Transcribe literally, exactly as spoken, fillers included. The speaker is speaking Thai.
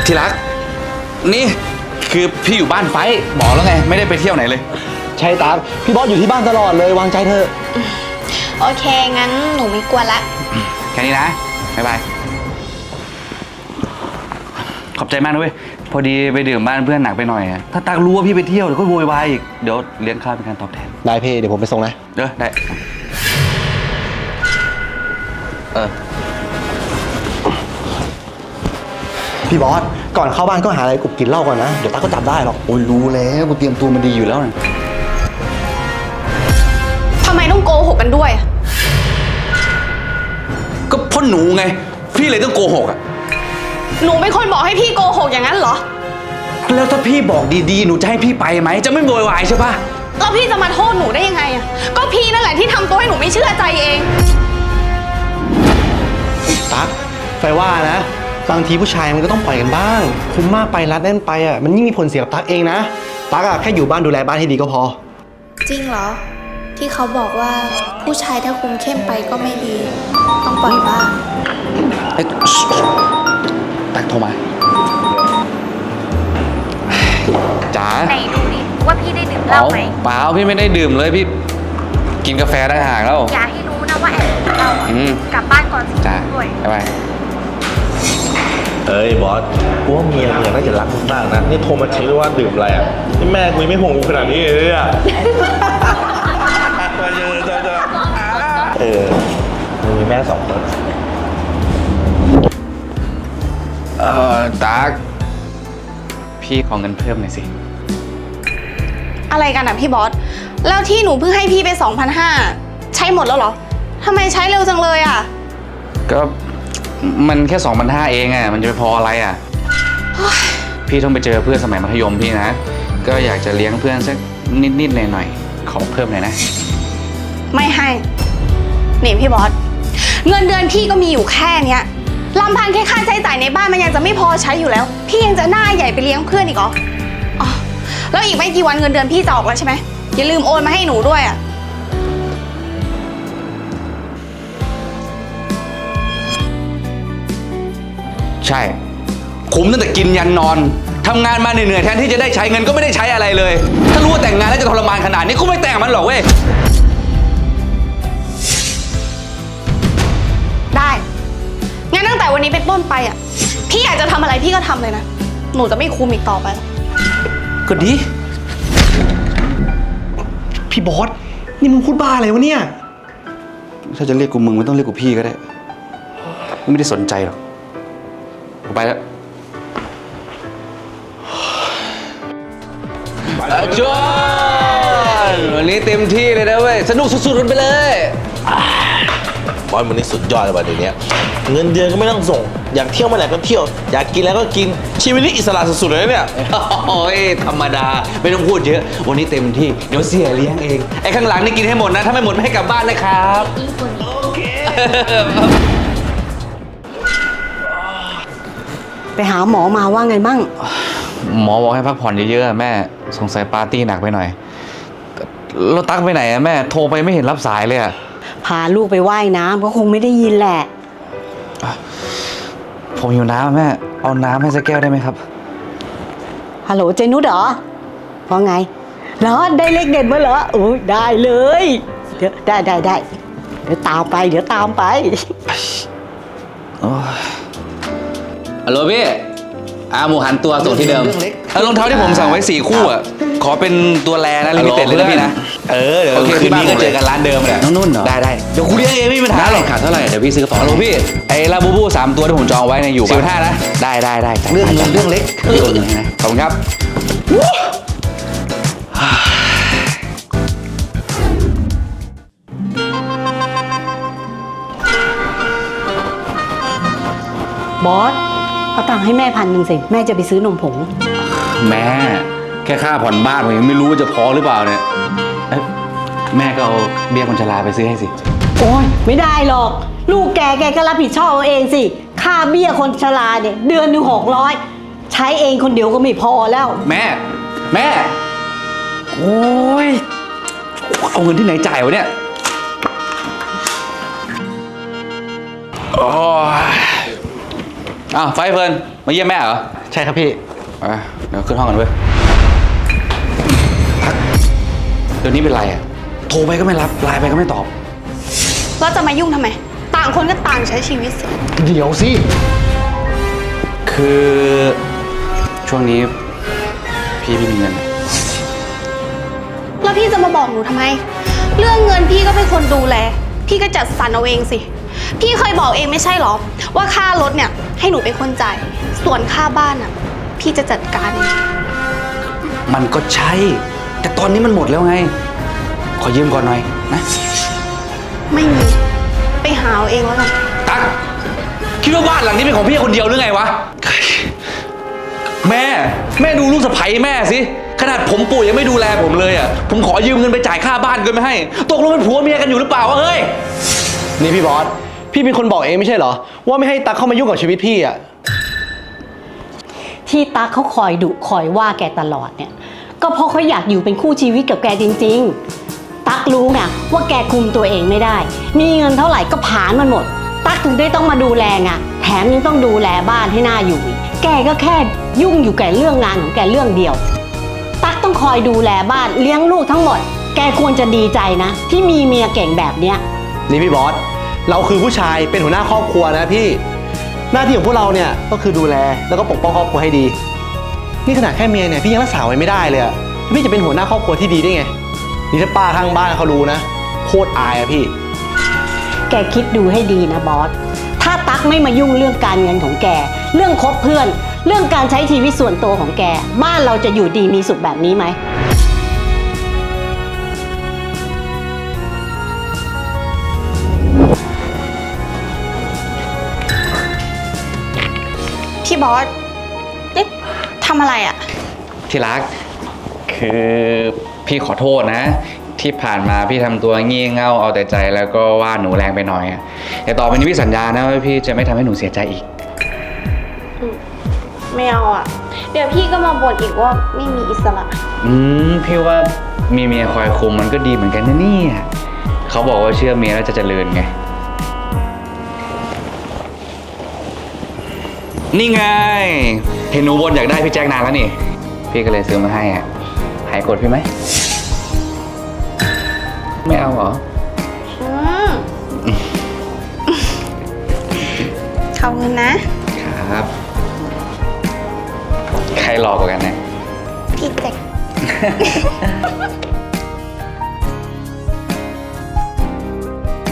ที่รักนี่คือพี่อยู่บ้านไฟบอกแล้วไงไม่ได้ไปเที่ยวไหนเลยใช่ตั๊กพี่บอสอยู่ที่บ้านตลอดเลยวางใจเถอะโอเคงั้นหนูไม่กวนละแค่นี้นะบ๊ายบายขอบใจมากนะเว้ยพอดีไปดื่มบ้านเพื่อนหนักไปหน่อยถ้าตักรู้ว่าพี่ไปเที่ยวเดี๋ยวก็โวยวายอีกเดี๋ยวเลี้ยงข้าวเป็นการตอบแทนได้พี่เดี๋ยวผมไปส่งนะเด้อได้เออพี่บอสก่อนเข้าบ้านก็หาอะไรกรุบกินเหล้าก่อนนะเดี๋ยวตั๊กก็จับได้หรอกโอ้ยรู้แล้วกูเตรียมตัวมาดีอยู่แล้วนะทำไมต้องโกหกกันด้วยก็พ่อหนูไงพี่เลยต้องโกหกอ่ะหนูเป็นคนบอกให้พี่โกหกอย่างนั้นเหรอแล้วถ้าพี่บอกดีๆหนูจะให้พี่ไปไหมจะไม่โวยวายใช่ปะแล้วพี่จะมาโทษหนูได้ยังไงอ่ะก็พี่นั่นแหละที่ทำตัวให้หนูไม่เชื่อใจเองตั๊กไฟว่านะบางทีผู้ชายมันก็ต้องปล่อยกันบ้างคุมมากไปรัดแน่นไปอ่ะมันยิ่งมีผลเสียกับตั๊กเองนะตั๊กอ่ะแค่อยู่บ้านดูแลบ้านให้ดีก็พอจริงเหรอที่เขาบอกว่าผู้ชายถ้าคุมเข้มไปก็ไม่ดีต้องปล่อยบ้างเอ้ยตักโทรมาจ๋าไหนดูดิว่าพี่ได้ดื่มเหล้าไหมเปล่าพี่ไม่ได้ดื่มเลยพี่กินกาแฟได้ห่างแล้วอย่าให้รู้นะว่าแอบดื่มเหล้ากลับบ้านก่อนสิจ้าด้วยบ๊ายบายเอ้ยบอสกูว่าเมียมึงน่าจะรักมึงมากนะนี่โทรมาเช็คด้วยว่าดื่มอะไรอ่ะนี่แม่กูไม่ห่วงกูขนาดนี้เลยอ่ะเออมึงมีแม่สองคนเออตั๊กพี่ขอเงินเพิ่มหน่อยสิอะไรกันอ่ะพี่บอสแล้วที่หนูเพิ่งให้พี่ไป สองพันห้าร้อย ใช้หมดแล้วเหรอทำไมใช้เร็วจังเลยอ่ะก็มันแค่ สองพันห้าร้อย เองอ่ะมันจะไปพออะไรอ่ะพี่ต้องไปเจอเพื่อนสมัยมัธยมพี่นะก็อยากจะเลี้ยงเพื่อนสักนิดๆหน่อยๆขอเพิ่มหน่อยนะไม่ให้นี่พี่บอสเงินเดือนพี่ก็มีอยู่แค่เนี้ยลำพังแค่ค่าใช้จ่ายในบ้านมันยังจะไม่พอใช้อยู่แล้วพี่ยังจะหน้าใหญ่ไปเลี้ยงเพื่อนอีกเหรออ๋อแล้วอีกไม่กี่วันเงินเดือนพี่จะออกแล้วใช่ไหมอย่าลืมโอนมาให้หนูด้วยอ่ะใช่คุ้มตั้งแต่กินยันนอนทำงานมาเหนื่อยๆแทนที่จะได้ใช้เงินก็ไม่ได้ใช้อะไรเลยถ้ารู้ว่าแต่งงานแล้วจะทรมานขนาดนี้กูไม่แต่งมันหรอกเว้ยได้งั้นตั้งแต่วันนี้เป็นต้นไปอ่ะพี่อยากจะทำอะไรพี่ก็ทำเลยนะหนูจะไม่คุมอีกต่อไปแล้วก็ดีพี่บอสนี่มึงพูดบ้าอะไรวะเนี่ยถ้าจะเรียกกูมึงไม่ต้องเรียกกูพี่ก็ได้กูไม่ได้สนใจหรอกกูไปแล้วจอนวันนี้เต็มที่เลยนะเว้ยสนุกสุดๆกันไปเลยบอสมันนี่สุดยอดเลยวันเดี๋ยวนี้เงินเดือนก็ไม่ต้องส่งอยากเที่ยวเมื่อไหร่ก็เที่ยวอยากกินแล้วก็กินชีวิตนี้อิสระสุดๆเลยเนี่ยโอ้ยธรรมดาไม่ต้องพูดเยอะวันนี้เต็มที่เดี๋ยวเสียเลี้ยงเองไอ้ข้างหลังนี่กินให้หมดนะถ้าไม่หมดไม่ให้กลับบ้านนะครับโอเคไปหาหมอมาว่าไงบ้างหมอบอกให้พักผ่อนเยอะๆแม่สงสัยปาร์ตี้หนักไปหน่อยแล้วตั๊กไปไหนอะแม่โทรไปไม่เห็นรับสายเลยอะพาลูกไปว่ายน้ำก็คงไม่ได้ยินแหละผมหิวน้ำแม่เอาน้ำให้สักแก้วได้ไหมครับฮัลโหลเจนุชเหรอว่าไงเหรอได้เลขเด็ดมาเหรอโอ้ยได้เลยเดี๋ยวได้ได้ได้เดี๋ยวตามไปเดี๋ยวตามไปฮัลโหลพี่อาหมูหันตัวส่งที่เดิมรองเท้าที่ผมสั่งไว้สี่คู่อ่ะขอเป็นตัวแรนะลิมิเต็ดเลยนะพี่นะเออเดี๋ยวโอเคคืนนี้ก็เจอกันร้านเดิมแหละน้องนุ่นเหรอได้ได้เดี๋ยวคุณเลี้ยงเองไม่มีปัญหาหรอกขาดเท่าไหร่เดี๋ยวพี่ซื้อกระเป๋าฮัลโหลพี่ไอ้ลาบูบูสามตัวที่ผมจองไว้ในอยู่สิบห้านะได้ได้ได้เรื่องเงินเรื่องเล็กเรื่องเงินนะขอบคุณครับบอสเอาตังค์ให้แม่พันหนึ่งสิแม่จะไปซื้อนมผงแม่แค่ค่าผ่อนบ้านผมยังไม่รู้ว่าจะพอหรือเปล่าเนี่ยแม่ก็เอาเบี้ยคนชราไปซื้อให้สิโอ้ยไม่ได้หรอกลูกแกแกก็รับผิดชอบเอาเองสิค่าเบี้ยคนชราเนี่ยเดือนหนึ่งหกร้อยใช้เองคนเดียวก็ไม่พอแล้วแม่แม่โอ้ยเอาเงินที่ไหนจ่ายวะเนี่ยโอ้ยอ้าวไฟเฟิร์นมาเยี่ยมแม่เหรอใช่ครับพี่อ่ะเดี๋ยวขึ้นห้องกันเว้ยตั๊กเดี๋ยวนี้เป็นไรอ่ะ โทรไปก็ไม่รับ ไลน์ไปก็ไม่ตอบแล้วจะมายุ่งทำไม ต่างคนก็ต่างใช้ชีวิตสิเดี๋ยวสิคือช่วงนี้พี่ไม่มีเงินแล้วพี่จะมาบอกหนูทำไม เรื่องเงินพี่ก็เป็นคนดูแล พี่ก็จัดสรรเอาเองสิ พี่เคยบอกเองไม่ใช่หรอ ว่าค่ารถเนี่ยให้หนูเป็นคนจ่าย ส่วนค่าบ้านอ่ะ พี่จะจัดการเองมันก็ใช่ แต่ตอนนี้มันหมดแล้วไง ขอยืมก่อนหน่อยนะไม่มี ไปหาเอาเองแล้วกันตั๊กคิดว่าบ้านหลังนี้เป็นของพี่คนเดียวหรือไงวะ แม่ แม่ดูลูกสะใภ้แม่สิ ขนาดผมป่วยยังไม่ดูแลผมเลยอ่ะ ผมขอยืมเงินไปจ่ายค่าบ้านก็ไม่ให้ ตกลงเป็นผัวเมียกันอยู่หรือเปล่าวะเฮ้ยนี่พี่บอส พี่เป็นคนบอกเองไม่ใช่เหรอ ว่าไม่ให้ตั๊กเข้ามายุ่งกับชีวิตพี่อ่ะที่ตั๊กเขาคอยดุคอยว่าแกตลอดเนี่ย ก็เพราะเขาอยากอยู่เป็นคู่ชีวิตกับแกจริงๆ ตั๊กรู้ไงว่าแกคุมตัวเองไม่ได้ มีเงินเท่าไหร่ก็ผลาญมันหมด ตั๊กถึงได้ต้องมาดูแลไงแถมยังต้องดูแลบ้านให้น่าอยู่อีกแกก็แค่ยุ่งอยู่แก่เรื่องงานของแกเรื่องเดียว ตั๊กต้องคอยดูแลบ้านเลี้ยงลูกทั้งหมด แกควรจะดีใจนะ ที่มีเมียเก่งแบบเนี้ยนี่พี่บอส เราคือผู้ชายเป็นหัวหน้าครอบครัวนะพี่ หน้าที่ของพวกเราเนี่ยก็คือดูแลแล้วก็ปกป้องครอบครัวให้ดี นี่ขนาดแค่เมียเนี่ยพี่ยังรักษาไว้ไม่ได้เลยอะพี่จะเป็นหัวหน้าครอบครัวที่ดีได้ไง นี่ถ้าป้าข้างบ้านเขารู้นะโคตรอายอะพี่แกคิดดูให้ดีนะบอส ถ้าตั๊กไม่มายุ่งเรื่องการเงินของแก เรื่องคบเพื่อน เรื่องการใช้ชีวิตส่วนตัวของแก บ้านเราจะอยู่ดีมีสุขแบบนี้ไหมพี่บอสเอ๊ะทำอะไรอ่ะที่รัก คือพี่ขอโทษนะ ที่ผ่านมาพี่ทำตัวงี่เง่าเอาแต่ใจแล้วก็ว่าหนูแรงไปหน่อยอะแต่ต่อไปนี้พี่สัญญานะว่าพี่จะไม่ทำให้หนูเสียใจอีกไม่เอาอ่ะ เดี๋ยวพี่ก็มาบ่นอีกว่าไม่มีอิสระอืมพี่ว่ามีเมียคอยคุมมันก็ดีเหมือนกันนะเนี่ยเขาบอกว่าเชื่อเมียแล้วจะเจริญไง นี่ไง เห็นหนูบนอยากได้พี่แจ็คนานแล้วนี่ พี่ก็เลยซื้อมาให้อ่ะหายโกรธพี่ไหม ไม่เอาเหรออืมขอบคุณนะครับ ใครหลอกกว่ากันนะพี่แจ็ค